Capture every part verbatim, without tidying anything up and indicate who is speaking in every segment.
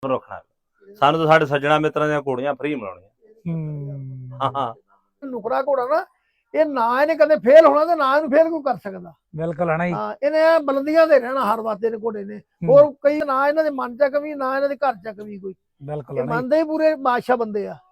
Speaker 1: ਰੱਖਣਾ ਸਾਨੂੰ ਤਾਂ ਸਾਡੇ ਸੱਜਣਾ ਮਿੱਤਰਾਂ ਦੀਆਂ ਘੋੜੀਆਂ ਫ੍ਰੀ ਮਿਲਾਉਣੀਆਂ। ਹਾਂ ਹਾਂ
Speaker 2: ਨੁਕਰਾ ਘੋੜਾ ਨਾ ਇਹ ਨਾ ਇਹਨੇ ਕਦੇ ਫੇਲ ਹੋਣਾ ਤੇ ਨਾ ਇਹਨੂੰ ਫੇਲ ਕੋਈ ਕਰ ਸਕਦਾ।
Speaker 3: ਬਿਲਕੁਲ ਹੈ ਨਾ ਜੀ।
Speaker 2: ਹਾਂ ਇਹਨੇ ਬੁਲੰਦੀਆਂ ਤੇ ਰਹਿਣਾ ਹਰ ਵਾਤੇ ਦੇ ਘੋੜੇ ਨੇ। ਹੋਰ ਕਈ ਨਾ ਇਹਨਾਂ ਦੇ ਮਨ ਚ ਕਮੀ ਨਾ ਇਹਨਾਂ ਦੇ ਘਰ ਚ ਕਮੀ ਕੋਈ।
Speaker 3: ਬਿਲਕੁਲ
Speaker 2: ਇਹ ਮੰਨਦੇ ਹੀ ਪੂਰੇ ਬਾਦਸ਼ਾਹ ਬੰਦੇ ਆ।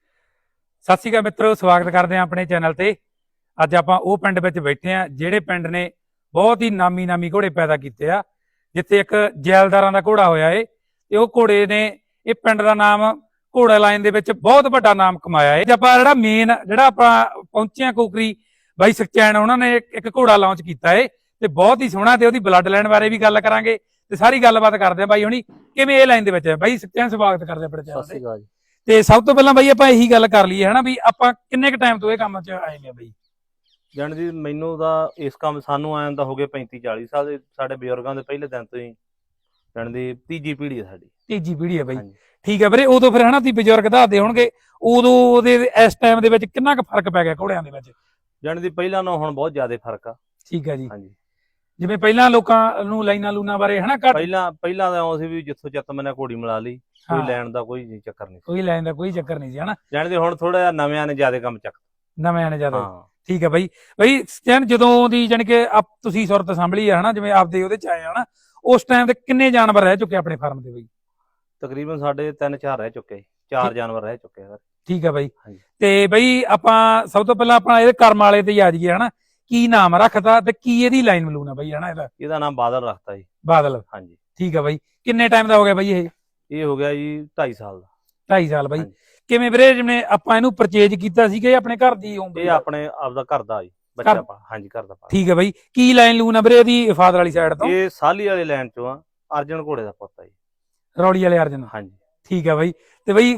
Speaker 3: ਸਤਿ ਸ਼੍ਰੀ ਅਕਾਲ ਮਿੱਤਰੋ, ਸਵਾਗਤ ਕਰਦੇ ਆ ਆਪਣੇ ਚੈਨਲ ਤੇ। ਅੱਜ ਆਪਾਂ ਉਹ ਪਿੰਡ ਵਿੱਚ ਬੈਠੇ ਆ ਜਿਹੜੇ ਪਿੰਡ ਨੇ ਬਹੁਤ ਹੀ ਨਾਮੀ ਨਾਮੀ ਘੋੜੇ ਪੈਦਾ ਕੀਤੇ ਆ, ਜਿੱਥੇ ਇੱਕ ਜੈਲਦਾਰਾਂ ਦਾ ਘੋੜਾ ਹੋਇਆ ਏ ਤੇ ਉਹ ਘੋੜੇ ਨੇ ਇਹ ਪਿੰਡ ਦਾ ਨਾਮ ਘੋੜਾ ਲਾਈਨ ਦੇ ਵਿੱਚ ਬਹੁਤ ਵੱਡਾ ਨਾਮ ਕਮਾਇਆ ਏ। ਆਪਾਂ ਜਿਹੜਾ ਮੇਨ ਜਿਹੜਾ ਆਪਾਂ ਪਹੁੰਚੇ ਆ ਕੋਕਰੀ ਬਾਈ ਸੁਖਚੈਨ, ਉਹਨਾਂ ਨੇ ਇੱਕ ਘੋੜਾ ਲਾਂਚ ਕੀਤਾ ਏ ਤੇ ਬਹੁਤ ਹੀ ਸੋਹਣਾ, ਤੇ ਉਹਦੀ ਬਲੱਡ ਲਾਈਨ ਬਾਰੇ ਵੀ ਗੱਲ ਕਰਾਂਗੇ ਤੇ ਸਾਰੀ ਗੱਲਬਾਤ ਕਰਦੇ ਆ ਬਾਈ ਹੁਣੀ ਕਿਵੇਂ ਇਹ ਲਾਈਨ ਦੇ ਵਿੱਚ। ਬਾਈ ਸੁਖਚੈਨ ਸਵਾਗਤ ਕਰਦੇ ਆਪਣੇ ਚੈਨਲ ਤੇ। ਤੇ ਸਭ ਤੋਂ ਪਹਿਲਾਂ ਬਾਈ ਆਪਾਂ ਇਹੀ ਗੱਲ ਕਰ ਲਈਏ ਹਨਾ ਵੀ ਆਪਾਂ ਕਿੰਨੇ ਕ ਟਾਈਮ ਤੋਂ ਇਹ ਕੰਮ 'ਚ ਆਏ ਨੇ ਬਾਈ?
Speaker 1: ਜਾਣ ਜੀ ਮੈਨੂੰ ਤਾਂ ਇਸ ਕੰਮ ਸਾਨੂੰ ਆਇਆ ਤਾਂ ਹੋ ਗਏ ਪੈਂਤੀ ਚਾਲੀ ਸਾਲ ਦੇ, ਸਾਡੇ ਬਜ਼ੁਰਗਾਂ ਦੇ ਪਹਿਲੇ ਦਿਨ ਤੋਂ ਹੀ ਜਾਣ ਦੀ ਤੀਜੀ ਪੀੜ੍ਹੀ ਹੈ ਸਾਡੀ।
Speaker 3: ਤੀਜੀ ਪੀੜ੍ਹੀ ਹੈ ਬਾਈ, ਠੀਕ ਹੈ ਵੀਰੇ। ਉਦੋਂ ਫਿਰ ਹਨਾ ਤੁਸੀਂ ਬਜ਼ੁਰਗ ਦੱਸਦੇ ਹੋਣਗੇ, ਉਦੋਂ ਉਹਦੇ ਇਸ ਟਾਈਮ ਦੇ ਵਿੱਚ ਕਿੰਨਾ ਕੁ ਫਰਕ ਪੈ ਗਿਆ ਘੋੜਿਆਂ ਦੇ ਵਿੱਚ?
Speaker 1: ਜਾਣ ਦੀ ਪਹਿਲਾਂ ਨਾਲੋਂ ਹੁਣ ਬਹੁਤ ਜ਼ਿਆਦਾ ਫਰਕ ਆ।
Speaker 3: ਠੀਕ ਹੈ ਜੀ।
Speaker 1: ਹਾਂਜੀ,
Speaker 3: ਜਿਵੇਂ ਪਹਿਲਾਂ ਲੋਕਾਂ ਨੂੰ ਲਾਈਨਾਂ ਲੂਨਾਂ ਬਾਰੇ ਹਨਾ ਘੱਟ,
Speaker 1: ਪਹਿਲਾਂ ਪਹਿਲਾਂ ਤਾਂ ਆਉਂ ਸੀ ਵੀ ਜਿੱਥੋਂ ਚੱਤ ਮੈਨੇ ਘੋੜੀ ਮਿਲਾ ਲਈ, ਕੋਈ ਲੈਣ ਦਾ ਕੋਈ ਚੱਕਰ ਨਹੀਂ,
Speaker 3: ਕੋਈ ਲੈਣ ਦਾ ਕੋਈ ਚੱਕਰ ਨਹੀਂ ਸੀ ਹਨਾ।
Speaker 1: ਜਾਣ ਦੀ ਹੁਣ ਥੋੜਾ ਜਿਹਾ ਨਵਿਆਂ ਨੇ ਜ਼ਿਆਦਾ ਕੰਮ ਚੱਕ
Speaker 3: ਨਵਿਆਂ ਨੇ ਜ਼ਿਆਦਾ। ਠੀਕ ਹੈ ਬਾਈ। ਬਾਈ ਸੁਖਚੈਨ ਜਦੋਂ ਦੀ ਜਾਣੀ ਕਿ ਤੁਸੀਂ ਸੁਰਤ ਸੰਭਲੀ ਆ ਹਨਾ, ਜਿਵੇਂ ਆਪਦੇ ਉਹਦੇ ਚ ਆਏ ਹਨਾ, ਉਸ ਟਾਈਮ ਤੇ ਕਿੰਨੇ ਜਾਨਵਰ ਰਹਿ ਚੁੱਕੇ ਆਪਣੇ ਫਾਰਮ ਦੇ ਬਾਈ?
Speaker 1: ਤਕਰੀਬਨ ਸਾਡੇ ਤਿੰਨ ਚਾਰ ਰਹਿ ਚੁੱਕੇ, ਚਾਰ ਜਾਨਵਰ ਰਹਿ ਚੁੱਕੇ ਸਰ।
Speaker 3: ਠੀਕ ਹੈ ਬਾਈ। ਤੇ ਬਾਈ ਆਪਾਂ ਸਭ ਤੋਂ ਪਹਿਲਾਂ ਆਪਣਾ ਇਹਦੇ ਕਰਮ ਵਾਲੇ ਤੇ ਹੀ ਆ ਜਾਈਏ ਹਨਾ, ਕੀ ਨਾਮ ਰੱਖਤਾ ਤੇ ਕੀ ਇਹਦੀ ਲਾਈਨ ਮਲੂਨ ਆ ਬਾਈ ਹਨਾ? ਇਹਦਾ
Speaker 1: ਇਹਦਾ ਨਾਮ ਬਾਦਲ ਰੱਖਤਾ ਜੀ।
Speaker 3: ਬਾਦਲ, ਹਾਂਜੀ ਠੀਕ ਹੈ ਬਾਈ। ਕਿੰਨੇ ਟਾਈਮ ਦਾ ਹੋ ਗਿਆ ਬਾਈ ਇਹ? ਇਹ
Speaker 1: ਹੋ ਗਿਆ ਜੀ ਢਾਈ ਸਾਲ ਦਾ।
Speaker 3: ਢਾਈ ਸਾਲ ਬਾਈ। ਕਿਵੇਂ ਵੀਰੇ ਜਿਵੇਂ ਆਪਾਂ ਇਹਨੂੰ ਪਰਚੇਜ ਕੀਤਾ ਸੀ ਕਿ ਆਪਣੇ ਘਰ ਦੀ?
Speaker 1: ਇਹ ਆਪਣੇ ਆਪਦਾ ਘਰ ਦਾ ਜੀ ਬੱਚਾ ਪਾ। ਹਾਂਜੀ ਘਰ ਦਾ।
Speaker 3: ਠੀਕ ਹੈ ਬਾਈ। ਕੀ ਲਾਈਨ ਲੂਨ ਆ ਵੀਰੇ ਇਹਦੀ ਫਾਦਰ ਵਾਲੀ ਸਾਈਡ ਤੋਂ?
Speaker 1: ਇਹ ਸਾਲੀ ਵਾਲੇ ਲਾਈਨ ਚੋਂ ਆ, ਅਰਜਨ ਘੋੜੇ ਦਾ ਪੁੱਤ ਆ ਜੀ,
Speaker 3: ਰੌਲੀ ਵਾਲੇ ਅਰਜਨ।
Speaker 1: ਹਾਂਜੀ
Speaker 3: ਠੀਕ ਹੈ ਬਾਈ। ਤੇ ਬਾਈ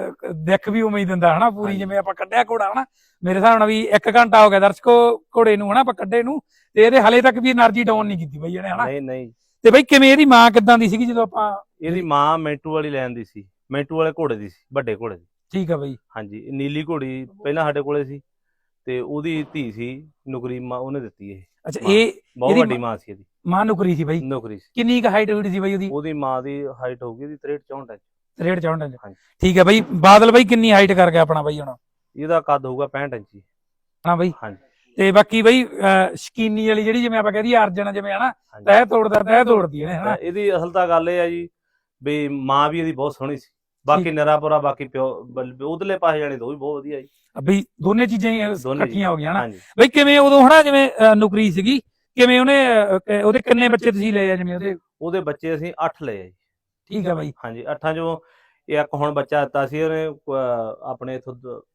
Speaker 3: ਦੇਖ ਵੀ ਉਮੀਦ ਦਿੰਦਾ ਹਨਾ ਪੂਰੀ, ਜਿਵੇਂ ਆਪਾਂ ਕੱਢਿਆ ਘੋੜਾ ਹਨਾ, ਮੇਰੇ ਹਿਸਾਬ ਨਾਲ ਵੀ ਇੱਕ ਘੰਟਾ ਹੋ ਗਿਆ ਦਰਸ਼ਕੋ ਘੋੜੇ ਨੂੰ ਹਨਾ ਆਪਾਂ ਕੱਢੇ ਨੂੰ, ਤੇ ਇਹਦੇ ਹਲੇ ਤੱਕ ਵੀ એનર્ਜੀ ਡਾਊਨ ਨਹੀਂ ਕੀਤੀ ਬਾਈ ਇਹਨੇ ਹਨਾ? ਨਹੀਂ ਨਹੀਂ। ਤੇ ਬਾਈ ਕਿਵੇਂ ਇਹਦੀ ਮਾਂ ਕਿੱਦਾਂ ਦੀ ਸੀਗੀ ਜਦੋਂ ਆਪਾਂ? ਇਹਦੀ
Speaker 1: ਮਾਂ ਮੈਂਟੂ ਵਾਲੀ ਲੈਣ ਦੀ ਸੀ, ਮੈਂਟੂ ਵਾਲੇ ਘੋੜੇ ਦੀ ਸੀ, ਵੱਡੇ ਘੋੜੇ ਦੀ।
Speaker 3: ਠੀਕ ਹੈ ਬਾਈ।
Speaker 1: ਹਾਂਜੀ, ਨੀਲੀ ਘੋੜੀ ਪਹਿਲਾਂ ਸਾਡੇ ਕੋਲੇ ਸੀ ਤੇ ਉਹਦੀ ਧੀ ਸੀ ਨੁਕਰੀ, ਮਾਂ ਉਹਨੇ ਦਿੱਤੀ ਇਹ।
Speaker 3: ਅੱਛਾ, ਇਹ
Speaker 1: ਬਹੁਤ ਵੱਡੀ ਮਾਂ ਸੀ ਇਹਦੀ।
Speaker 3: ਮਾਂ ਨੁਕਰੀ ਸੀ ਬਾਈ?
Speaker 1: ਨੁਕਰੀ ਸੀ।
Speaker 3: ਕਿੰਨੀ ਕੁ ਹਾਈਟ ਹੋਈ ਸੀ ਬਾਈ ਉਹਦੀ?
Speaker 1: ਉਹਦੀ ਮਾਂ ਦੀ ਹਾਈਟ ਹੋਊਗੀ ਇਹਦੀ ਤਰੇਹਠ ਚੌਂਹਠ ਇੰਚ।
Speaker 3: ਤਰੇਹਠ ਚੌਂਹਠ ਇੰਚ। ਠੀਕ ਹੈ ਬਾਈ। ਬਾਦਲ ਬਾਈ ਕਿੰਨੀ ਹਾਈਟ ਕਰ ਗਿਆ ਆਪਣਾ ਬਾਈ ਹੁਣ?
Speaker 1: ਇਹਦਾ ਕੱਦ ਹੋਊਗਾ ਪੈਂਹਠ ਇੰਚ
Speaker 3: ਹਾਂ ਬਾਈ।
Speaker 1: ਹਾਂਜੀ।
Speaker 3: ਤੇ ਬਾਕੀ ਬਾਈ ਸ਼ਕੀਨੀ ਵਾਲੀ ਜਿਹੜੀ ਜਿਵੇਂ ਆਪਾਂ ਕਹਦੇ ਅਰਜਨ ਜਿਵੇਂ ਹਨਾ ਤਹਿ ਤੋੜਦਾ ਤਹਿ ਤੋੜਦੀ ਹੈ ਹਨਾ?
Speaker 1: ਇਹਦੀ ਅਸਲ ਤਾਂ ਗੱਲ ਇਹ ਆ ਜੀ ਵੀ ਮਾਂ ਵੀ ਇਹਦੀ ਬਹੁਤ ਸੋਹਣੀ ਸੀ, ਬਾਕੀ ਨਿਰਾਪੁਰਾ, ਬਾਕੀ ਪਿਓ ਉਧਰਲੇ ਪਾਸੇ ਜਾਣੇ ਦੋ ਵੀ ਬਹੁਤ ਵਧੀਆ ਜੀ।
Speaker 3: ਬਈ ਦੋਨੇ ਚੀਜ਼ਾਂ ਹੀ ਇਕੱਠੀਆਂ ਹੋ ਗਈਆਂ ਹਨਾ ਬਈ। ਕਿਵੇਂ ਉਦੋਂ ਹਨਾ ਜਿਵੇਂ ਨੁਕਰੀ ਸੀਗੀ, ਕਿਵੇਂ ਉਹਨੇ ਉਹਦੇ ਕਿੰਨੇ ਬੱਚੇ ਤੁਸੀਂ ਲਏ ਆ? ਜਿਵੇਂ ਉਹਦੇ
Speaker 1: ਉਹਦੇ ਬੱਚੇ ਅਸੀਂ ਅੱਠ ਲਏ ਆ ਜੀ।
Speaker 3: ਠੀਕ ਹੈ ਬਾਈ।
Speaker 1: ਹਾਂਜੀ, ਅੱਠਾਂ ਚੋਂ ਇੱਕ ਹੁਣ ਬੱਚਾ ਦਿੱਤਾ ਸੀ ਉਹਨੇ ਆਪਣੇ ਇਥੋਂ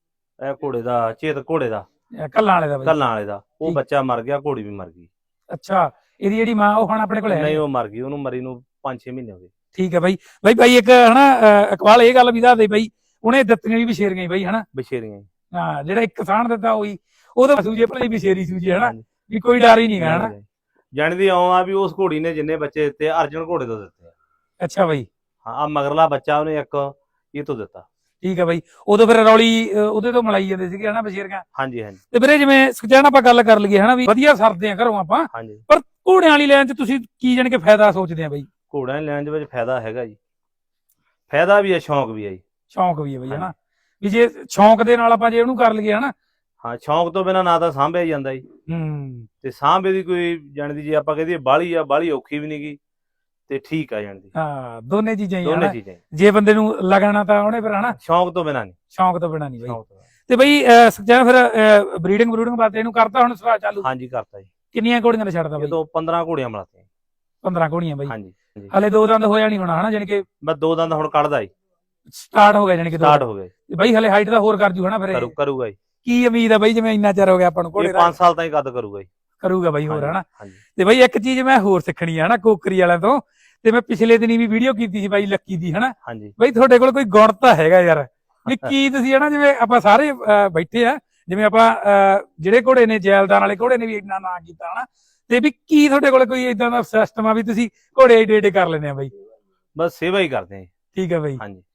Speaker 1: ਇਹ ਘੋੜੇ ਦਾ, ਚੇਤ ਘੋੜੇ ਦਾ,
Speaker 3: ਕੱਲਾਂ ਵਾਲੇ ਦਾ ਬਾਈ।
Speaker 1: ਕੱਲਾਂ ਵਾਲੇ ਦਾ, ਉਹ ਬੱਚਾ ਮਰ ਗਿਆ, ਘੋੜੀ ਵੀ ਮਰ ਗਈ।
Speaker 3: ਅੱਛਾ, ਇਹਦੀ ਜਿਹੜੀ ਮਾਂ ਉਹ ਹੁਣ ਆਪਣੇ ਕੋਲ ਹੈ
Speaker 1: ਨਹੀਂ? ਉਹ ਮਰ ਗਈ, ਉਹਨੂੰ ਮਰੀ ਨੂੰ ਪੰਜ ਛੇ ਮਹੀਨੇ ਹੋ ਗਏ।
Speaker 3: ਠੀਕ ਹੈ ਬਾਈ। ਬਾਈ ਬਾਈ ਇੱਕ ਹਨਾ ਇਕਬਾਲ ਇਹ ਗੱਲ ਵੀ ਦੱਸਦੇ ਬਾਈ, ਉਹਨੇ ਦਿੱਤੀਆਂ ਵੀ ਬਸ਼ੇਰੀਆਂ ਬਾਈ ਹਨਾ?
Speaker 1: ਬਸ਼ੇਰੀਆਂ।
Speaker 3: ਹਾਂ, ਜਿਹੜਾ ਇੱਕ ਕਿਸਾਨ ਦਿੱਤਾ ਉਹੀ ਉਹਦਾ ਸੂਜੇ ਭਲੇ ਬਸ਼ੇਰੀ ਸੂਜੇ ਹਨਾ, ਵੀ ਕੋਈ ਡਰ ਹੀ ਨਹੀਂ ਗਾ ਹਨਾ?
Speaker 1: ਜਾਣਦੀ ਆਉਂ ਆ ਵੀ ਉਸ ਘੋੜੀ ਨੇ ਜਿੰਨੇ ਬੱਚੇ ਦਿੱਤੇ ਅਰਜਨ ਘੋੜੇ ਤੋਂ ਦਿੱਤੇ।
Speaker 3: ਅੱਛਾ ਬਾਈ।
Speaker 1: ਹਾਂ, ਆ ਮਗਰਲਾ ਬੱਚਾ ਉਹਨੇ ਇੱਕ ਇਹ ਤੋਂ ਦਿੱਤਾ।
Speaker 3: ਠੀਕ ਹੈ ਬਾਈ। ਉਦੋਂ ਫਿਰ ਰੌਲੀ ਉਹਦੇ ਤੋਂ ਮਲਾਈ ਜਾਂਦੇ ਸੀਗੇ ਹਨਾ ਬਸ਼ੇਰੀਆਂ?
Speaker 1: ਹਾਂਜੀ ਹਾਂਜੀ।
Speaker 3: ਤੇ ਵੀਰੇ ਜਿਵੇਂ ਸੁਖਚੈਨ ਆਪਾਂ ਗੱਲ ਕਰ ਲਈਏ ਹਨਾ ਵੀ ਵਧੀਆ ਸਰਦੇ ਆ ਘਰੋਂ ਆਪਾਂ, ਪਰ ਘੋੜਿਆਂ ਵਾਲੀ ਲਾਈਨ 'ਚ ਤੁਸੀਂ ਕੀ ਜਾਣੀ ਕਿ ਫਾਇਦਾ ਸੋਚਦੇ ਆ ਬਾਈ?
Speaker 1: ਘੋੜਿਆਂ ਦੀ ਲਾਈਨ ਦੇ ਵਿੱਚ ਫਾਇਦਾ ਹੈਗਾ ਜੀ, ਫਾਇਦਾ ਵੀ ਹੈ, ਸ਼ੌਂਕ ਵੀ ਹੈ ਜੀ।
Speaker 3: ਸ਼ੌਂਕ ਵੀ ਹੈ ਬਾਈ ਹਨਾ, ਵੀ ਜੇ ਸ਼ੌਂਕ ਦੇ ਨਾਲ ਆਪਾਂ ਜੇ ਉਹਨੂੰ ਕਰ ਲਈਏ ਹਨਾ?
Speaker 1: ਹਾਂ, ਸ਼ੌਂਕ ਤੋਂ ਬਿਨਾ ਨਾ ਤਾਂ ਸਾਂਭਿਆ ਜਾਂਦਾ ਜੀ।
Speaker 3: ਹੂੰ। ਤੇ
Speaker 1: ਸਾਂਭੇ ਦੀ ਕੋਈ ਜਾਣਦੀ ਜੇ ਆਪਾਂ ਕਹਦੇ ਬਾਹਲੀ ਆ, ਬਾਹਲੀ ਔਖੀ ਵੀ ਨਹੀਂਗੀ ਤੇ ਠੀਕ ਆ ਜਾਣਦੀ।
Speaker 3: ਹਾਂ, ਦੋਨੇ ਚੀਜ਼ਾਂ ਹੀ
Speaker 1: ਦੋਨੇ ਚੀਜ਼ਾਂ।
Speaker 3: ਜੇ ਬੰਦੇ ਨੂੰ ਲਗਾਣਾ ਤਾਂ ਉਹਨੇ ਫਿਰ ਹਨਾ,
Speaker 1: ਸ਼ੌਂਕ ਤੋਂ ਬਿਨਾ ਨਹੀਂ।
Speaker 3: ਸ਼ੌਂਕ ਤੋਂ ਬਿਨਾ ਨਹੀਂ ਬਾਈ। ਤੇ ਬਾਈ ਸੁਖਚੈਨ ਫਿਰ ਬਰੀਡਿੰਗ ਬਰੂਡਿੰਗ ਵਾਸਤੇ ਇਹਨੂੰ ਕਰਤਾ ਹੁਣ ਸਰਾ ਚਾਲੂ?
Speaker 1: ਹਾਂਜੀ ਕਰਤਾ ਜੀ।
Speaker 3: ਕਿੰਨੀਆਂ ਘੋੜੀਆਂ ਦਾ ਛੱਡਦਾ ਬਾਈ?
Speaker 1: ਤੋਂ ਪੰਦਰਾਂ ਘੋੜੀਆਂ ਮਿਲਾਤੀਆਂ।
Speaker 3: ਪੰਦਰਾਂ ਘੋੜੀਆਂ ਬਾਈ?
Speaker 1: ਹਾਂਜੀ।
Speaker 3: ਹਲੇ ਦੋ ਦੰਦ ਹੋਇਆ ਨਹੀਂ ਹੋਣਾ ਹਨਾ? ਜਾਨੀ ਕਿ
Speaker 1: ਬਸ ਦੋ ਦੰਦ ਹੁਣ ਕੱਢਦਾ ਜੀ,
Speaker 3: ਸਟਾਰਟ ਹੋ ਗਿਆ ਜਾਨੀ ਕਿ
Speaker 1: ਸਟਾਰਟ ਹੋ ਗਿਆ
Speaker 3: ਬਾਈ। ਹਲੇ ਹਾਈਟ ਦਾ ਹੋਰ ਕਰ ਜੂ ਹਨਾ ਫਿਰ?
Speaker 1: ਕਰੂਗਾ ਜੀ।
Speaker 3: ਕੀ ਉਮੀਦ ਆ ਬਾਈ ਜਿਵੇਂ ਇੰਨਾ ਚਿਰ ਹੋ ਗਿਆ ਆਪਾਂ ਨੂੰ ਘੋੜੇ ਦਾ?
Speaker 1: ਪੰਜ ਸਾਲ ਤਾਂ ਹੀ ਕੱਦ ਕਰੂਗਾ ਜੀ।
Speaker 3: ਕਰੂਗਾ ਬਾਈ ਹੋਰ ਹਨਾ? ਤੇ ਬਾਈ ਇੱਕ ਚੀਜ਼ ਮੈਂ ਹੋਰ ਸਿੱਖਣੀ ਆ ਹਨਾ ਕੋਕਰੀ ਵਾਲਿਆਂ ਤੋਂ, ਤੇ ਮੈਂ ਪਿਛਲੇ ਦਿਨੀ ਵੀ ਵੀਡੀਓ ਕੀਤੀ ਸੀ ਬਾਈ ਲੱਕੀ ਦੀ ਹਨਾ?
Speaker 1: ਹਾਂਜੀ।
Speaker 3: ਬਾਈ ਤੁਹਾਡੇ ਕੋਲ ਕੋਈ ਗੁਣ ਤਾਂ ਹੈਗਾ ਯਾਰ, ਵੀ ਕੀ ਤੁਸੀਂ ਹਨਾ ਜਿਵੇਂ ਆਪਾਂ ਸਾਰੇ ਬੈਠੇ ਆ, ਜਿਵੇਂ ਆਪਾਂ ਜਿਹੜੇ ਘੋੜੇ ਨੇ ਜੈਲਦਾਰ ਵਾਲੇ ਘੋੜੇ ਨੇ ਵੀ ਇੰਨਾ ਨਾਂ ਕੀਤਾ ਹਨਾ, ਤੇ ਵੀ ਕੀ ਤੁਹਾਡੇ ਕੋਲ ਕੋਈ ਇਦਾਂ ਦਾ ਸਿਸਟਮ ਆ ਵੀ ਤੁਸੀਂ ਘੋੜੇ ਏਡੇ ਏਡੇ ਕਰ ਲੈਂਦੇ ਆ ਬਾਈ?
Speaker 1: ਬਸ ਸੇਵਾ ਹੀ ਕਰਦੇ ਆ।
Speaker 3: ਠੀਕ ਹੈ ਬਾਈ।
Speaker 1: ਹਾਂਜੀ।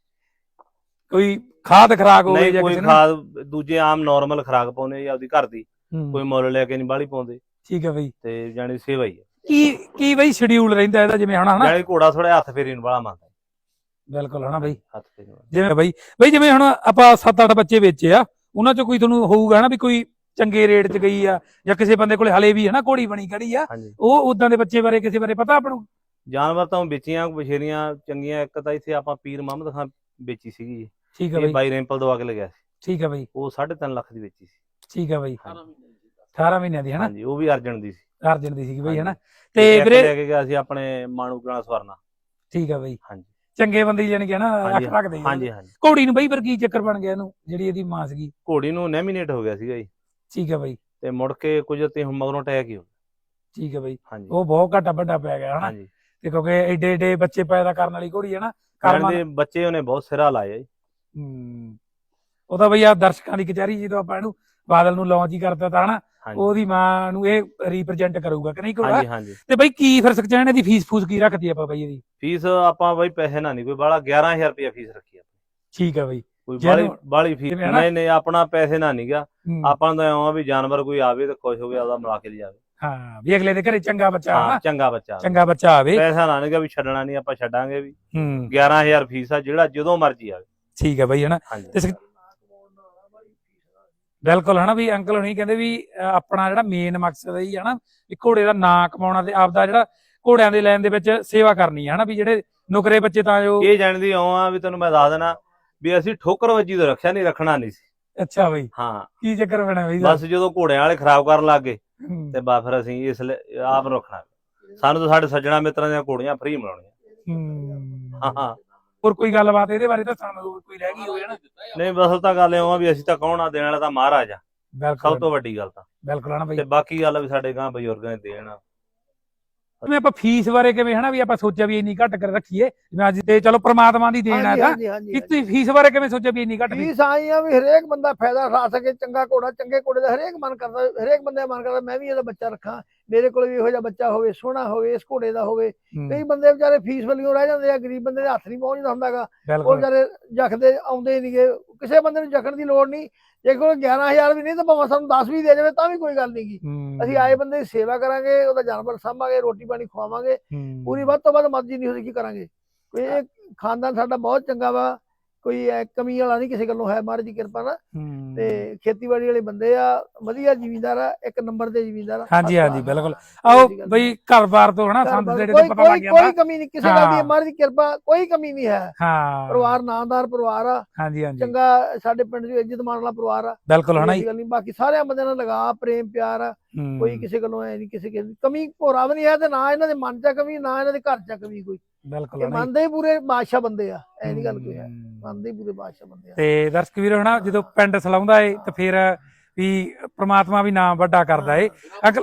Speaker 3: ਕੋਈ ਖਾਦ ਖਰਾਕ ਹੋਵੇ ਜਾਂ
Speaker 1: ਕੋਈ ਖਾਦ ਦੂਜੇ ਆਮ ਨਾਰਮਲ ਖਰਾਕ ਪਾਉਨੇ ਜਾਂ ਆਪਦੀ ਘਰ ਦੀ, ਕੋਈ ਮੁੱਲ ਲੈ ਕੇ ਨਹੀਂ ਬਾਹਲੀ ਪਾਉਂਦੇ।
Speaker 3: ਠੀਕ ਹੈ ਬਾਈ।
Speaker 1: ਤੇ ਜਾਨੀ ਸੇਵਾ ਹੀ ਆ।
Speaker 3: ਕੀ ਕੀ ਬਾਈ ਸ਼ਡਿਊਲ ਰਹਿੰਦਾ ਇਹਦਾ ਜਿਵੇਂ ਹਨਾ?
Speaker 1: ਜਾਨੀ ਘੋੜਾ ਥੋੜਾ ਹੱਥ ਫੇਰੀ ਨੂੰ ਵਾਲਾ ਮੰਨਦਾ,
Speaker 3: ਬਿਲਕੁਲ ਹਨਾ ਬਈ
Speaker 1: ਹੱਥ ਤੇ ਨਹੀਂ ਵੱਜਦਾ।
Speaker 3: ਜਿਵੇਂ ਬਈ ਬਈ ਜਿਵੇਂ ਹੁਣ ਆਪਾਂ ਸੱਤ ਅੱਠ ਬੱਚੇ ਵੇਚੇ ਆ ਉਹਨਾਂ ਚੋਂ ਕੋਈ ਤੁਹਾਨੂੰ ਹੋਊਗਾ ਨਾ ਵੀ ਕੋਈ ਚੰਗੇ ਰੇਟ 'ਚ ਗਈ ਆ ਜਾਂ ਕਿਸੇ ਬੰਦੇ ਕੋਲੇ ਹਲੇ ਵੀ ਹਨਾ ਘੋੜੀ ਬਣੀ ਖੜੀ ਆ
Speaker 1: ਹਾਂਜੀ
Speaker 3: ਉਹ ਉਦਾਂ ਦੇ ਬੱਚੇ ਬਾਰੇ ਕਿਸੇ ਬਾਰੇ ਪਤਾ ਆਪਾਂ ਨੂੰ?
Speaker 1: ਜਾਨਵਰ ਤਾਂ ਵੇਚੀਆਂ ਬਸ਼ੇਰੀਆਂ ਚੰਗੀਆਂ। ਇੱਕ ਤਾਂ ਇੱਥੇ ਆਪਾਂ ਪੀਰ ਮੁਹੰਮਦ ਖਾਨ ਵੇਚੀ ਸੀਗੀ ਜੀ,
Speaker 3: ਠੀਕ ਆ
Speaker 1: ਇਹ
Speaker 3: ਬਈ
Speaker 1: ਬਾਈ ਰੈਂਪਲ ਦਵਾ ਕੇ ਲਗਿਆ ਸੀ,
Speaker 3: ਠੀਕ ਆ ਬਈ
Speaker 1: ਉਹ ਸਾਢੇ ਤਿੰਨ ਲੱਖ ਦੀ ਵੇਚੀ ਸੀ।
Speaker 3: ਠੀਕ ਆ ਬਈ
Speaker 1: ਹਾਂਜੀ
Speaker 3: ਅਠਾਰਾਂ ਮਹੀਨਿਆਂ ਦੀ ਹਨਾ
Speaker 1: ਹਾਂਜੀ ਉਹ ਵੀ ਅਰਜਨ ਦੀ ਸੀ।
Speaker 3: ਅਰਜਨ ਦੀ ਸੀਗੀ ਬਈ
Speaker 1: ਹਾਂਜੀ।
Speaker 3: ਹਨਾ
Speaker 1: ਤੇ
Speaker 3: ਤੇ
Speaker 1: ਇੱਕ
Speaker 3: ਵੀਰੇ
Speaker 1: ਲੈ ਕੇ ਗਿਆ ਸੀ ਆਪਣੇ ਮਾਣੂ ਗਾਣਾ ਸਵਰਨਾ।
Speaker 3: ਠੀਕ ਆ ਬਈ
Speaker 1: ਹਾਂਜੀ
Speaker 3: ਚੰਗੇ ਬੰਦੇ ਜਾਨੀ ਕਿ ਨਾ ਅੱਖ
Speaker 1: ਹਾਂਜੀ
Speaker 3: ਰੱਖਦੇ ਆ।
Speaker 1: ਹਾਂਜੀ ਹਾਂਜੀ
Speaker 3: ਘੋੜੀ ਨੂੰ ਬਈ ਫਿਰ ਕੀ ਚੱਕਰ ਬਣ ਗਿਆ ਇਹਨੂੰ ਜਿਹੜੀ ਇਹਦੀ ਮਾਂ ਸੀਗੀ?
Speaker 1: ਘੋੜੀ ਨੂੰ ਨੈਮੀਨੇਟ ਹੋ ਗਿਆ ਸੀਗਾ ਜੀ,
Speaker 3: ਠੀਕ ਆ ਬਈ
Speaker 1: ਤੇ ਮੁੜ ਕੇ ਕੁਝ ਤੇ ਮਗਰੋਂ ਅਟੈਕ ਹੀ ਹੋ ਗਿਆ।
Speaker 3: ਠੀਕ ਆ ਬਈ
Speaker 1: ਹਾਂਜੀ
Speaker 3: ਉਹ ਬਹੁਤ ਘਾਟਾ ਵੱਡਾ ਪੈ ਗਿਆ ਹਨਾ
Speaker 1: ਹਾਂਜੀ
Speaker 3: ਤੇ ਕਿਉਂਕਿ ਏਡੇ ਏਡੇ ਬੱਚੇ ਪੈਦਾ ਕਰਨ ਵਾਲੀ ਘੋੜੀ ਹੈ ਨਾ
Speaker 1: ਕਰਨ
Speaker 3: ਕਰਮਾਂ
Speaker 1: ਦੇ ਬੱਚੇ ਉਹਨੇ ਬਹੁਤ ਸਿਰਾ ਲਾਇਆ ਜੀ।
Speaker 3: ਹੂੰ ਉਹ ਤਾਂ ਬਈ ਆ ਦਰਸ਼ਕਾਂ ਦੀ ਕਚਹਿਰੀ ਜਦੋਂ ਆਪਾਂ ਇਹਨੂੰ ਬਾਦਲ ਨੂੰ ਲਾਂਚ ਹੀ ਕਰਤਾ ਤਾਂ ਹਨਾ
Speaker 1: ਹਾਂਜੀ
Speaker 3: ਉਹਦੀ ਮਾਂ ਨੂੰ ਇਹ ਰਿਪਰੈਜ਼ੈਂਟ ਕਰੂਗਾ ਕਿ ਨਹੀਂ ਘੋੜਾ?
Speaker 1: ਹਾਂਜੀ ਹਾਂਜੀ
Speaker 3: ਤੇ ਬਈ ਕੀ ਫਿਰ ਸਕਚੈਨ ਦੀ ਫੀਸ ਫੂਸ ਕੀ ਰੱਖਦੀ ਆਪਾਂ ਬਈ ਇਹਦੀ?
Speaker 1: ਫੀਸ ਆਪਾਂ ਬਈ ਪੈਸੇ ਨਾ ਨਹੀਂ ਕੋਈ ਬਾਲਾ ਗਿਆਰਾਂ ਹਜ਼ਾਰ ਰੁਪਇਆ ਫੀਸ ਰੱਖੀ ਆ।
Speaker 3: ਠੀਕ ਆ ਬਈ
Speaker 1: ਕੋਈ
Speaker 3: ਜਿਹਨੂੰ-
Speaker 1: ਬਾਲੀ ਬਾਲੀ ਫੀਸ
Speaker 3: ਜਿਵੇਂ ਹਨਾ-
Speaker 1: ਨਹੀਂ ਨਹੀਂ ਆਪਣਾ ਪੈਸੇ ਨਾ ਨਹੀਂਗਾ।
Speaker 3: ਹੂੰ,
Speaker 1: ਆਪਾਂ ਨੂੰ ਤਾਂ ਇਉਂ ਆ ਵੀ ਜਾਨਵਰ ਕੋਈ ਆਵੇ ਤੇ ਖੁਸ਼ ਹੋ ਕੇ ਆਪਦਾ ਮਿਲਾ ਕੇ ਲਿਜਾਵੇ।
Speaker 3: ਹਾਂ ਵੀ ਅਗਲੇ ਦੇ ਘਰੇ ਚੰਗਾ ਬੱਚਾ
Speaker 1: ਹਾਂ
Speaker 3: ਹਨਾ
Speaker 1: ਚੰਗਾ ਬੱਚਾ ਆਵੇ।
Speaker 3: ਚੰਗਾ ਬੱਚਾ ਆਵੇ।
Speaker 1: ਪੈਸਾ ਨਾ ਨਹੀਂਗਾ ਵੀ ਛੱਡਣਾ ਨਹੀਂ, ਆਪਾਂ ਛੱਡਾਂਗੇ ਵੀ।
Speaker 3: ਹੂੰ
Speaker 1: ਗਿਆਰਾਂ ਹਜ਼ਾਰ ਫੀਸ ਆ, ਜਿਹੜਾ ਜਦੋਂ ਮਰਜ਼ੀ ਆਵੇ।
Speaker 3: ਠੀਕ ਆ ਬਈ ਹਨਾ
Speaker 1: ਹਾਂਜੀ
Speaker 3: ਤੇ ਸਕ- ਬਿਲਕੁਲ ਹਨਾ ਵੀ ਅੰਕਲ ਹੁਣੀ ਕਹਿੰਦੇ ਵੀ ਅਹ ਆਪਣਾ ਜਿਹੜਾ ਮੇਨ ਮਕਸਦ ਹੈ ਹਨਾ ਵੀ ਘੋੜੇ ਦਾ ਨਾਂ ਕਮਾਉਣਾ ਤੇ ਆਪਦਾ ਜਿਹੜਾ ਘੋੜਿਆਂ ਦੇ ਲੈਣ ਦੇ ਵਿੱਚ ਸੇਵਾ ਕਰਨੀ ਹੈ ਹਨਾ ਵੀ ਜਿਹੜੇ ਨੁਕਰੇ ਬੱਚੇ ਤਾਂ ਜੋ
Speaker 1: ਇਹ ਜਾਣਦੀ ਇਉਂ ਆ ਵੀ ਤੈਨੂੰ ਮੈਂ ਦੱਸ ਦੇਣਾ ਵੀ ਅਸੀਂ ਠੋਕਰ ਵੱਜੀ ਤੋਂ ਰੱਖਿਆ ਨਹੀਂ, ਰੱਖਣਾ ਨਹੀਂ ਸੀ।
Speaker 3: ਅੱਛਾ ਬਈ
Speaker 1: ਹਾਂ
Speaker 3: ਕੀ ਚੱਕਰ ਬਣਾ ਬਈ
Speaker 1: ਬਸ ਜਦੋਂ ਘੋੜਿਆਂ ਵਾਲੇ ਖਰਾਬ ਕਰਨ ਲੱਗ ਗਏ
Speaker 3: ਹੂੰ,
Speaker 1: ਤੇ ਬਾ ਫਿਰ ਅਸੀਂ ਇਸ ਲਈ ਆਪ ਨੂੰ ਰੱਖਣਾ। ਸਾਨੂੰ ਤਾਂ ਸਾਡੇ ਸੱਜਣਾ ਮਿੱਤਰਾਂ ਦੀਆਂ ਘੋੜੀਆਂ ਫ੍ਰੀ ਮਿਲਾਉਣੀਆਂ।
Speaker 3: ਹੂੰ।
Speaker 1: ਹਾਂ ਹਾਂ
Speaker 3: ਹੋਰ ਕੋਈ ਗੱਲਬਾਤ ਇਹਦੇ ਬਾਰੇ ਤਾਂ ਸਾਨੂੰ ਕੋਈ ਰਹਿ ਗਈ ਹੋਵੇ ਨਾ?
Speaker 1: ਨਹੀਂ ਬਸ ਤਾਂ ਗੱਲ ਇਉਂ ਆ ਵੀ ਅਸੀਂ ਤਾਂ ਕੌਣ ਆ, ਦੇਣ ਵਾਲਾ ਤਾਂ ਮਹਾਰਾਜ ਆ,
Speaker 3: ਬਿਲਕੁਲ
Speaker 1: ਸਭ ਤੋਂ ਵੱਡੀ ਗੱਲ ਤਾਂ।
Speaker 3: ਬਿਲਕੁਲ ਹਨਾ ਬਈ
Speaker 1: ਤੇ ਬਾਕੀ ਗੱਲ ਆ ਵੀ ਸਾਡੇ ਗਾਂ ਬਜ਼ੁਰਗਾਂ ਦੇ ਦੇਣ ਆ।
Speaker 3: ਜਿਵੇਂ ਆਪਾਂ ਫੀਸ ਬਾਰੇ ਕਿਵੇਂ ਹਨਾ ਵੀ ਆਪਾਂ ਸੋਚਿਆ ਵੀ ਇੰਨੀ ਘੱਟ ਕਰ ਰੱਖੀਏ ਜਿਵੇਂ ਅੱਜ ਤੇ ਚਲੋ ਪ੍ਰਮਾਤਮਾ ਦੀ ਦੇਣ ਆ
Speaker 2: ਹਾਂਜੀ
Speaker 3: ਤਾਂ
Speaker 2: ਹਾਂਜੀ ਹਾਂਜੀ
Speaker 3: ਕਿ ਤੁਸੀਂ ਫੀਸ ਬਾਰੇ ਕਿਵੇਂ ਸੋਚਿਆ ਵੀ ਇੰਨੀ ਘੱਟ ਫੀਸ?
Speaker 2: ਫੀਸ ਆਈ ਆ ਵੀ ਹਰੇਕ ਬੰਦਾ ਫਾਇਦਾ ਉਠਾ ਸਕੇ। ਚੰਗਾ ਘੋੜਾ ਚੰਗੇ ਘੋੜੇ ਦਾ ਹਰੇਕ ਮਨ ਕਰਦਾ, ਹਰੇਕ ਬੰਦੇ ਦਾ ਮਨ ਕਰਦਾ ਮੈਂ ਵੀ ਇਹਦਾ ਬੱਚਾ ਰੱਖਾਂ, ਮੇਰੇ ਕੋਲ ਵੀ ਇਹੋ ਜਿਹਾ ਬੱਚਾ ਹੋਵੇ, ਸੋਹਣਾ ਹੋਵੇ, ਇਸ ਘੋੜੇ ਦਾ ਹੋਵੇ। ਕਈ ਬੰਦੇ ਵਿਚਾਰੇ ਫੀਸ ਵੱਲੋਂ ਰਹਿ ਜਾਂਦੇ ਆ, ਗਰੀਬ ਬੰਦੇ ਦੇ ਹੱਥ ਨਹੀਂ ਪਹੁੰਚਦਾ ਹੁੰਦਾਗਾ, ਉਹ
Speaker 3: ਬਿਲਕੁਲ
Speaker 2: ਵਿਚਾਰੇ ਜਖਦੇ ਆਉਂਦੇ ਨਹੀਂਗੇ। ਕਿਸੇ ਬੰਦੇ ਨੂੰ ਜਖਣ ਦੀ ਲੋੜ ਨਹੀਂ, ਜੇ ਕੋਲ ਗਿਆਰਾਂ ਹਜ਼ਾਰ ਵੀ ਨਹੀਂ ਤਾਂ ਭਾਵੇਂ ਸਾਨੂੰ ਦਸ ਵੀ ਦੇ ਜਾਵੇ ਤਾਂ ਵੀ ਕੋਈ ਗੱਲ ਨਹੀਂ ਗੀ।
Speaker 3: ਹੂੰ,
Speaker 2: ਅਸੀਂ ਆਏ ਬੰਦੇ ਦੀ ਸੇਵਾ ਕਰਾਂਗੇ, ਉਹਦਾ ਜਾਨਵਰ ਸਾਂਭਾਂਗੇ, ਰੋਟੀ ਪਾਣੀ ਖਵਾਵਾਂਗੇ,
Speaker 3: ਹੂੰ,
Speaker 2: ਪੂਰੀ ਵੱਧ ਤੋਂ ਵੱਧ ਮਰਜ਼ੀ ਨਹੀਂ ਹੋਈ ਕੀ ਕਰਾਂਗੇ। ਕੋਈ ਇਹ ਖਾਨਦਾਨ ਸਾਡਾ ਬਹੁਤ ਚੰਗਾ ਵਾ, ਕੋਈ ਐ ਕਮੀ ਵਾਲਾ ਨਹੀਂ ਕਿਸੇ ਗੱਲੋਂ ਹੈ, ਮਹਾਰਾਜ ਦੀ ਕਿਰਪਾ ਨਾਲ।
Speaker 3: ਹੂੰ।
Speaker 2: ਤੇ ਖੇਤੀਬਾੜੀ ਵਾਲੇ ਬੰਦੇ ਆ, ਵਧੀਆ ਜ਼ਿਮੀਂਦਾਰ ਆ, ਇੱਕ ਨੰਬਰ ਦੇ ਜ਼ਿਮੀਂਦਾਰ ਆ।
Speaker 3: ਹਾਂਜੀ ਹਾਂਜੀ ਬਿਲਕੁਲ ਆਓ ਬਈ ਘਰ-ਬਾਰ ਤੋਂ ਹਨਾ ਸੰਦ ਜਿਹੜੇ ਤੋਂ
Speaker 2: ਕੋਈ
Speaker 3: ਪਤਾ ਲੱਗ
Speaker 2: ਕੋਈ
Speaker 3: ਜਾਂਦਾ।
Speaker 2: ਕੋਈ ਕਮੀ ਨਹੀਂ ਕਿਸੇ ਗੱਲ ਦੀ,
Speaker 3: ਹਾਂ।
Speaker 2: ਮਹਾਰਾਜ ਦੀ ਕਿਰਪਾ ਕੋਈ ਕਮੀ ਨਹੀਂ ਹੈ।
Speaker 3: ਹਾਂ
Speaker 2: ਪਰਿਵਾਰ ਨਾਮਦਾਰ ਪਰਿਵਾਰ ਆ,
Speaker 3: ਹਾਂਜੀ ਹਾਂਜੀ
Speaker 2: ਚੰਗਾ ਸਾਡੇ ਪਿੰਡ ਦੀ ਇੱਜ਼ਤ ਮਾਣ ਵਾਲਾ ਪਰਿਵਾਰ ਆ।
Speaker 3: ਬਿਲਕੁਲ ਹਨਾ
Speaker 2: ਕੋਈ
Speaker 3: ਜੀ।
Speaker 2: ਗੱਲ ਨਹੀਂ, ਬਾਕੀ ਸਾਰਿਆਂ ਬੰਦਿਆਂ ਨਾਲ ਲਗਾ ਪ੍ਰੇਮ ਪਿਆਰ ਆ,
Speaker 3: ਹੂੰ,
Speaker 2: ਕੋਈ ਕਿਸੇ ਗੱਲੋਂ ਐ ਨਹੀਂ, ਕਿਸੇ ਕਿਸੇ ਦੀ ਕਮੀ ਭੋਰਾ ਵੀ ਨਹੀਂ ਹੈ ਤੇ ਨਾ ਇਹਨਾਂ ਦੇ ਮਨ ਚ ਕਮੀ, ਨਾ ਇਹਨਾਂ ਦੇ ਘਰ ਚ ਕਮੀ ਕੋਈ।
Speaker 3: ਬਿਲਕੁਲ
Speaker 2: ਇਹ
Speaker 3: ਹਨਾ ਜੀ।
Speaker 2: ਮੰਨਦੇ ਹੀ ਪੂਰੇ ਬਾਦਸ਼ਾਹ ਬੰਦੇ ਆ, ਐ ਨਹੀਂ ਗੱਲ ਕੋਈ ਹੈ,
Speaker 3: ਹੂੰ।
Speaker 2: ਮੰਨਦੇ ਹੀ ਪੂਰੇ ਬਾਦਸ਼ਾਹ ਬੰਦੇ ਆ।
Speaker 3: ਤੇ ਦਰਸ਼ਕ ਵੀਰ ਹਨਾ ਜਦੋਂ ਪਿੰਡ ਸਲਾਉਂਦਾ ਏ ਤੇ ਫਿਰ ਵੀ ਪ੍ਰਮਾਤਮਾ ਵੀ ਨਾਮ ਵੱਡਾ ਕਰਦਾ ਏ। ਅੰਕਲ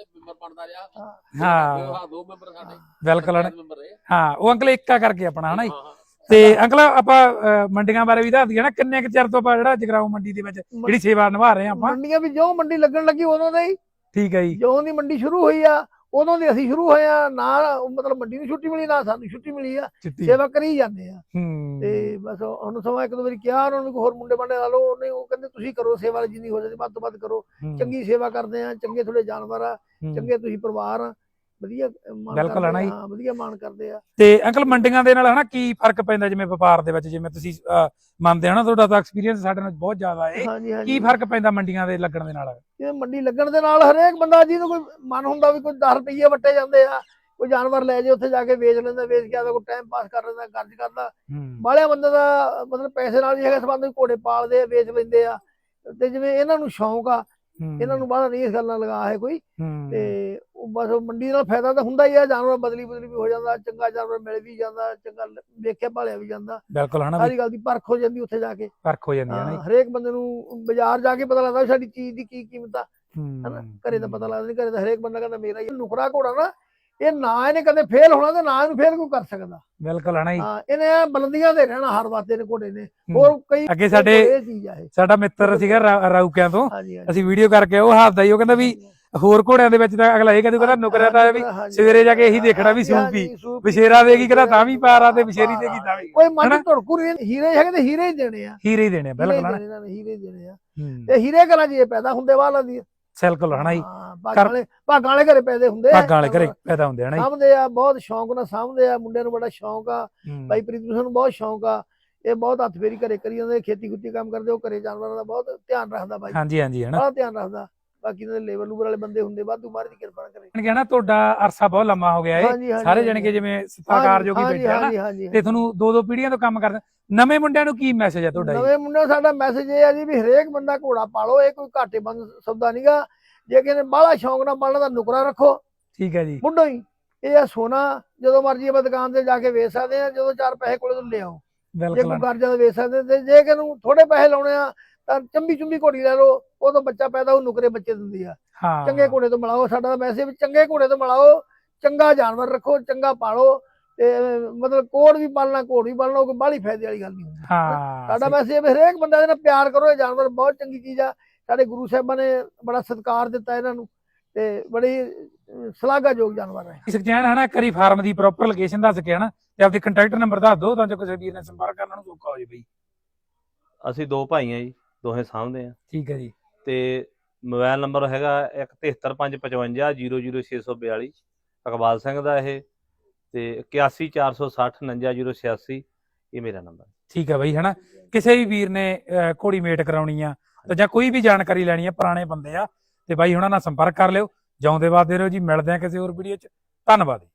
Speaker 3: ਹਾਂ ਬਿਲਕੁਲ ਹਨਾ। ਹਾਂ ਉਹ ਅੰਕਲ ਇੱਕਾ ਕਰਕੇ ਆਪਣਾ ਹਨਾ ਜੀ। ਤੇ ਅੰਕਲ ਆਪਾਂ ਅਹ, ਮੰਡੀਆਂ ਬਾਰੇ ਵੀ ਦੱਸ ਦਈਏ ਨਾ, ਕਿੰਨੇ ਕੁ ਚਿਰ ਤੋਂ ਆਪਾਂ ਜਿਹੜਾ ਜਗਰਾਉਂ ਮੰਡੀ ਦੇ ਵਿੱਚ ਜਿਹੜੀ ਸੇਵਾ ਨਿਭਾ ਰਹੇ ਆ ਆਪਾਂ?
Speaker 2: ਮੰਡੀਆਂ ਵੀ ਜਿਉਂ ਮੰਡੀ ਲੱਗਣ ਲੱਗੀ ਉਦੋਂ ਦੇ ਹੀ,
Speaker 3: ਠੀਕ ਹੈ ਜੀ।
Speaker 2: ਜਿਉਂ ਦੀ ਮੰਡੀ ਸ਼ੁਰੂ ਹੋਈ ਆ ਉਦੋਂ ਦੇ ਅਸੀਂ ਸ਼ੁਰੂ ਹੋਏ ਆ। ਨਾ ਮਤਲਬ ਮੰਡੀ ਨੂੰ ਛੁੱਟੀ ਮਿਲੀ, ਨਾ ਸਾਨੂੰ ਛੁੱਟੀ ਮਿਲੀ ਆ,
Speaker 3: ਚਿੱਟੀ
Speaker 2: ਸੇਵਾ ਕਰੀ ਜਾਂਦੇ ਆ।
Speaker 3: ਹੂੰ
Speaker 2: ਤੇ ਬਸ ਹੁਣ ਸਮਾਂ ਇੱਕ ਦੋ ਵਾਰੀ ਕਿਹਾ ਉਹਨਾਂ ਨੂੰ ਕੋਈ ਹੋਰ ਮੁੰਡੇ ਬੰਡੇ ਲਾ ਲਓ, ਉਹਨੇ ਉਹ ਕਹਿੰਦੇ ਤੁਸੀਂ ਕਰੋ ਸੇਵਾ, ਜਿੰਨੀ ਹੋ ਜਾਂਦੀ ਵੱਧ ਤੋਂ ਵੱਧ ਕਰੋ,
Speaker 3: ਹੂੰ,
Speaker 2: ਚੰਗੀ ਸੇਵਾ ਕਰਦੇ ਆ, ਚੰਗੇ ਤੁਹਾਡੇ ਜਾਨਵਰ ਆ,
Speaker 3: ਹੂੰ।
Speaker 2: ਚੰਗੇ ਤੁਸੀਂ ਪਰਿਵਾਰ ਆ, ਵਧੀਆ ਮਾਣ
Speaker 3: ਬਿਲਕੁਲ
Speaker 2: ਕਰਦੇ
Speaker 3: ਹੈ ਨਾ ਜੀ।
Speaker 2: ਹਾਂ, ਵਧੀਆ ਮਾਣ ਕਰਦੇ ਆ।
Speaker 3: ਤੇ ਅੰਕਲ ਮੰਡੀਆਂ ਦੇ ਨਾਲ ਹਨਾ ਕੀ ਫਰਕ ਪੈਂਦਾ ਜਿਵੇਂ ਵਪਾਰ ਦੇ ਵਿੱਚ, ਜਿਵੇਂ ਤੁਸੀਂ ਅਹ, ਮੰਨਦੇ ਹੋ ਨਾ, ਤੁਹਾਡਾ ਤਾਂ ਐਕਸਪੀਰੀਅੰਸ ਸਾਡੇ ਨਾਲ ਬਹੁਤ ਜ਼ਿਆਦਾ ਹੈ,
Speaker 2: ਹਾਂਜੀ
Speaker 3: ਕੀ
Speaker 2: ਹਾਂਜੀ।
Speaker 3: ਫਰਕ ਪੈਂਦਾ ਮੰਡੀਆਂ ਦੇ ਲੱਗਣ ਦੇ ਨਾਲ?
Speaker 2: ਇਹ ਮੰਡੀ ਲੱਗਣ ਦੇ ਨਾਲ ਹਰੇਕ ਬੰਦਾ ਜਿਹਨੂੰ ਕੋਈ ਮਨ ਹੁੰਦਾ ਵੀ ਕੋਈ ਦਸ ਰੁਪਈਏ ਵੱਟੇ ਜਾਂਦੇ ਆ, ਕੋਈ ਜਾਨਵਰ ਲੈ ਜੇ ਉੱਥੇ ਜਾ ਕੇ ਵੇਚ ਲੈਂਦਾ, ਵੇਚ ਕੇ ਆਦਾ ਕੋਈ ਟਾਈਮ ਪਾਸ ਕਰ ਲੈਂਦਾ, ਖਰਚ ਕਰਦਾ।
Speaker 3: ਹੂੰ
Speaker 2: ਬਾਹਲਿਆਂ ਬੰਦੇ ਦਾ ਮਤਲਬ ਪੈਸੇ ਨਾਲ ਹੀ ਹੈਗਾ ਸੰਬੰਧ, ਘੋੜੇ ਪਾਲਦੇ ਆ, ਵੇਚ ਲੈਂਦੇ ਆ। ਤੇ ਜਿਵੇਂ ਇਹਨਾਂ ਨੂੰ ਸ਼ੌਂਕ ਆ,
Speaker 3: ਹੂੰ,
Speaker 2: ਇਹਨਾਂ ਨੂੰ ਬਾਹਲਾ ਨਹੀਂ ਇਸ ਗੱਲ ਨਾਲ ਲਗਾ ਹੈ ਕੋਈ।
Speaker 3: ਹੂੰ,
Speaker 2: ਤੇ ਉਹ ਬਸ ਮੰਡੀ ਨਾਲ ਫਾਇਦਾ ਤਾਂ ਹੁੰਦਾ ਹੀ ਆ, ਜਾਨਵਰ ਬਦਲੀ ਬਦਲੀ ਵੀ ਹੋ ਜਾਂਦਾ, ਚੰਗਾ ਜਾਨਵਰ ਮਿਲ ਵੀ ਜਾਂਦਾ, ਚੰਗਾ ਵੇਖਿਆ ਭਾਲਿਆ ਵੀ ਜਾਂਦਾ,
Speaker 3: ਬਿਲਕੁਲ ਹਨਾ ਵੀ
Speaker 2: ਸਾਰੀ ਗੱਲ ਦੀ ਪਰਖ ਹੋ ਜਾਂਦੀ ਉੱਥੇ ਜਾ ਕੇ।
Speaker 3: ਫਰਕ ਹੋ ਜਾਂਦੀ ਹੈ ਨਾ
Speaker 2: ਹਾਂ,
Speaker 3: ਜੀ।
Speaker 2: ਹਰੇਕ ਬੰਦੇ ਨੂੰ ਬਾਜ਼ਾਰ ਜਾ ਕੇ ਪਤਾ ਲੱਗਦਾ ਵੀ ਸਾਡੀ ਚੀਜ਼ ਦੀ ਕੀ ਕੀਮਤ ਆ, ਹਨਾ।
Speaker 3: ਹੂੰ
Speaker 2: ਘਰੇ ਤਾਂ ਪਤਾ ਲੱਗਦਾ ਨਹੀਂ, ਘਰੇ ਤਾਂ ਹਰੇਕ ਬੰਦਾ ਕਹਿੰਦਾ ਮੇਰਾ ਹੀ ਨੁਕਰਾ ਘੋੜਾ ਨਾ, ਇਹ ਨਾ ਇਹਨੇ ਕਦੇ ਫੇਲ ਹੋਣਾ ਤੇ ਨਾ ਇਹਨੂੰ ਫੇਲ ਕੋਈ ਕਰ ਸਕਦਾ।
Speaker 3: ਬਿਲਕੁਲ ਹਨਾ ਜੀ।
Speaker 2: ਹਾਂ, ਇਹਨੇ ਐਂ ਬੁਲੰਦੀਆਂ ਤੇ ਰਹਿਣਾ ਹਰ ਵਾਸਤੇ ਨੇ ਘੋੜੇ ਨੇ। ਹੋਰ ਕਈ
Speaker 3: ਅੱਗੇ ਸਾਡੇ
Speaker 2: ਇਹ ਚੀਜ਼ ਆ ਇਹ।
Speaker 3: ਸਾਡਾ ਮਿੱਤਰ ਸੀਗਾ ਰਾ- ਰਾਊਕਿਆਂ ਤੋਂ,
Speaker 2: ਹਾਂਜੀ ਹਾਂਜੀ।
Speaker 3: ਅਸੀਂ ਵੀਡੀਓ ਕਰਕੇ ਉਹ ਹੱਸਦਾ ਹੀ, ਉਹ ਕਹਿੰਦਾ ਵੀ ਹੋਰ ਘੋੜਿਆਂ ਦੇ ਵਿੱਚ ਤਾਂ ਅਗਲਾ ਇਹ ਕਹਿੰਦਾ ਕਹਿੰਦਾ ਨੁਕਰਿਆ ਤਾਂ ਵੀ ਸਵੇਰੇ ਜਾ ਕੇ ਇਹੀ ਦੇਖਣਾ ਵੀ ਸੂਪੀ ਵਿਸ਼ੇਰਾ ਦੇਗੀ, ਕਹਿੰਦਾ ਤਾਂ ਵੀ ਪਾਰਾ ਤੇ ਵਿਸ਼ੇਰੀ ਦੇਗੀ ਤਾਂ ਵੀ,
Speaker 2: ਕੋਈ ਮਨ ਧੜਕੂ ਨਹੀਂ, ਹੀਰੇ ਹੈਗੇ ਤੇ ਹੀਰੇ ਹੀ ਦੇਣੇ ਆ,
Speaker 3: ਹੀਰੇ ਹੀ ਦੇਣੇ ਆ।
Speaker 2: ਹੀਰੇ
Speaker 3: ਬਿਲਕੁਲ
Speaker 2: ਹੀ
Speaker 3: ਹਨਾ।
Speaker 2: ਦੇਣੇ ਇਹਨਾਂ ਨੇ, ਹੀਰੇ ਹੀ ਦੇਣੇ ਆ।
Speaker 3: ਹੂੰ,
Speaker 2: ਤੇ ਹੀਰੇ ਘਰਾਂ 'ਚ ਇਹ ਪੈਦਾ ਹੁੰਦੇ ਵਾਲਾਂ ਦੀ।
Speaker 3: ਬਿਲਕੁਲ ਹਨਾ ਜੀ
Speaker 2: ਹਾਂ, ਭਾਗਾਂ ਵਾਲੇ ਭਾਗਾਂ ਵਾਲੇ ਘਰੇ ਪੈਦੇ ਹੁੰਦੇ ਆ,
Speaker 3: ਭਾਗਾਂ ਵਾਲੇ ਘਰੇ ਪੈਦਾ ਹੁੰਦੇ ਹਨਾ ਜੀ।
Speaker 2: ਸਾਂਭਦੇ ਆ, ਬਹੁਤ ਸ਼ੌਂਕ ਨਾਲ ਸਾਂਭਦੇ ਆ, ਮੁੰਡਿਆਂ ਨੂੰ ਬੜਾ ਸ਼ੌਂਕ ਆ।
Speaker 3: ਹੂੰ।
Speaker 2: ਬਾਈ ਪ੍ਰੀਤ ਨੂੰ ਬਹੁਤ ਸ਼ੌਂਕ ਆ, ਇਹ ਬਹੁਤ ਹੱਥ ਫੇਰੀ ਘਰੇ ਕਰੀ ਜਾਂਦੇ, ਖੇਤੀ ਖੁੱਤੀ ਕੰਮ ਕਰਦੇ, ਉਹ ਘਰੇ ਜਾਨਵਰਾਂ ਦਾ ਬਹੁਤ ਧਿਆਨ ਰੱਖਦਾ ਬਾਈ,
Speaker 3: ਹਾਂਜੀ ਹਾਂਜੀ ਹਨਾ।
Speaker 2: ਬੜਾ ਧਿਆਨ ਰੱਖਦਾ। ਬਾਕੀ ਇਹਨਾਂ ਦੇ ਲੇਬਰ ਲੂਬਰ ਵਾਲੇ ਬੰਦੇ ਹੁੰਦੇ, ਵਾਧੂ ਮਾਰ ਦੀ ਕਿਰਪਾ ਕਰੇ।
Speaker 3: ਕਹਿਣਾ ਤੁਹਾਡਾ ਅਰਸਾ ਬਹੁਤ ਲੰਮਾ ਹੋ ਗਿਆ
Speaker 2: ਹਾਂਜੀ,
Speaker 3: ਏ,
Speaker 2: ਹਾਂਜੀ,
Speaker 3: ਸਾਰੇ
Speaker 2: ਹਾਂਜੀ।
Speaker 3: ਜਣੇ ਕਿ ਜਿਵੇਂ ਸਤਾਕਾਰ ਜੋਗੀ
Speaker 2: ਹਾਂਜੀ,
Speaker 3: ਬੈਠੇ ਹਨਾ,
Speaker 2: ਹਾਂਜੀ, ਹਾਂਜੀ।
Speaker 3: ਤੇ ਤੁਹਾਨੂੰ ਦੋ ਦੋ ਪੀੜ੍ਹੀਆਂ ਤੋਂ ਕੰਮ ਕਰਦੇ। ਨਵੇਂ ਮੁੰਡਿਆਂ ਨੂੰ ਕੀ ਮੈਸੇਜ ਹੈ ਤੁਹਾਡਾ ਜੀ?
Speaker 2: ਨਵੇਂ ਮੁੰਡਿਆਂ ਸਾਡਾ ਮੈਸੇਜ ਇਹ ਆ ਜੀ ਵੀ ਹਰੇਕ ਬੰਦਾ ਘੋੜਾ ਪਾਲੋ, ਇਹ ਕੋਈ ਘਾਟੇ ਬੰਦ ਸੌਦਾ ਨਹੀਂਗਾ। ਜੇ ਕਿਸੇ ਨੇ ਬਾਹਲਾ ਸ਼ੌਂਕ ਨਾਲ ਪਾਲਣਾ ਤਾਂ ਨੁਕਰਾ ਰੱਖੋ,
Speaker 3: ਠੀਕ ਹੈ ਜੀ।
Speaker 2: ਮੁੱਢੋਂ ਹੀ ਇਹ ਆ ਸੋਨਾ, ਜਦੋਂ ਮਰਜ਼ੀ ਆਪਾਂ ਦੁਕਾਨ ਤੇ ਜਾ ਕੇ ਵੇਚ ਸਕਦੇ ਆ, ਜਦੋਂ ਚਾਰ ਪੈਸੇ ਕੋਲੇ ਤੋਂ ਲਿਆਓ। ਜੇ ਕੋਈ
Speaker 3: ਬਿਲਕੁਲ
Speaker 2: ਕਰਜ਼ਾ ਤਾਂ ਵੇਚ ਸਕਦੇ, ਤੇ ਜੇ ਕਿਸੇ ਨੂੰ ਥੋੜੇ ਪੈਸੇ ਲਾਉਣੇ ਆ ਤਾਂ ਚੰਬੀ ਚੁੰਬੀ ਘੋੜੀ ਲੈ ਲਓ, ਉਦੋਂ ਬੱਚਾ ਪੈਦਾ ਉਹ ਨੁਕਰੇ ਬੱਚੇ ਦਿੰਦੀ ਆ।
Speaker 3: ਹਾਂ,
Speaker 2: ਚੰਗੇ ਘੋੜੇ ਤੋਂ ਮਿਲਾਓ, ਸਾਡਾ ਤਾਂ ਮੈਸੇਜ ਵੀ ਚੰਗੇ ਘੋੜੇ ਤੋਂ ਮਿਲਾਓ, ਚੰਗਾ ਜਾਨਵਰ ਰੱਖੋ, ਚੰਗਾ ਪਾਲੋ, ਤੇ ਮਤਲਬ ਕੋੜ ਵੀ ਪਾਲਣਾ, ਘੋੜ ਵੀ ਪਾਲਣਾ, ਕੋਈ ਬਾਹਲੀ ਫਾਇਦੇ ਵਾਲੀ ਗੱਲ ਨਹੀਂ ਹੁੰਦੀ।
Speaker 3: ਹਾਂ
Speaker 2: ਸਾਡਾ ਮੈਸੇਜ ਵੀ ਹਰੇਕ ਬੰਦਾ ਇਹਦੇ ਨਾਲ ਪਿਆਰ ਕਰੋ, ਇਹ ਜਾਨਵਰ ਬਹੁਤ ਚੰਗੀ ਚੀਜ਼ ਆ। ਸਾਡੇ ਗੁਰੂ ਸਾਹਿਬਾਂ ਨੇ ਬੜਾ ਸਤਿਕਾਰ ਦਿੱਤਾ ਇਹਨਾਂ ਨੂੰ, ਤੇ ਬੜੀ ਸ਼ਲਾਘਾਯੋਗ ਜਾਨਵਰ ਹੈ।
Speaker 3: ਸਕਜੈਨ ਹਨਾ, ਕਰੀ ਫਾਰਮ ਦੀ ਪ੍ਰੋਪਰ ਲੋਕੇਸ਼ਨ ਦੱਸ ਕੇ ਹਨਾ, ਤੇ ਆਪਦੇ ਕੰਟੈਕਟ ਨੰਬਰ ਦੱਸ ਦਿਓ ਤਾਂ ਜੋ ਕਿਸੇ ਵੀਰ ਨੇ ਸੰਪਰਕ ਕਰਨ ਨੂੰ ਸੌਖਾ ਹੋ ਜਾਵੇ ਬਈ।
Speaker 1: ਅਸੀਂ ਦੋ ਭਾਈ ਆ ਜੀ, ਦੋਹੇ ਸਾਂਭਦੇ ਆ।
Speaker 3: ਠੀਕ ਹੈ ਜੀ।
Speaker 1: ਤੇ ਮੋਬਾਈਲ ਨੰਬਰ ਹੈਗਾ ਇੱਕ ਤਿਹੱਤਰ ਪੰਜ ਪਚਵੰਜਾ ਜੀਰੋ ਜੀਰੋ ਛੇ ਸੌ ਬਿਆਲੀ, ਇਕਬਾਲ ਸਿੰਘ ਦਾ ਇਹ, ਤੇ ਇਕਿਆਸੀ ਚਾਰ ਸੌ ਸੱਠ ਉਣੰਜਾ ਜੀਰੋ ਛਿਆਸੀ, ਇਹ ਮੇਰਾ ਨੰਬਰ।
Speaker 3: ਠੀਕ ਹੈ ਬਈ ਹਨਾ, ਕਿਸੇ ਵੀ ਵੀਰ ਨੇ ਅਹ, ਘੋੜੀ ਮੇਟ ਕਰਾਉਣੀ ਆ ਤਾਂ ਜਾਂ ਕੋਈ ਵੀ ਜਾਣਕਾਰੀ ਲੈਣੀ ਆ, ਪੁਰਾਣੇ ਬੰਦੇ ਆ, ਤੇ ਬਾਈ ਉਹਨਾਂ ਨਾਲ ਸੰਪਰਕ ਕਰ ਲਿਓ। ਜਿਉਂਦੇ ਵਾਦੇ ਰਹੋ ਜੀ, ਮਿਲਦੇ ਆ ਕਿਸੇ ਹੋਰ ਵੀਡੀਓ 'ਚ। ਧੰਨਵਾਦ।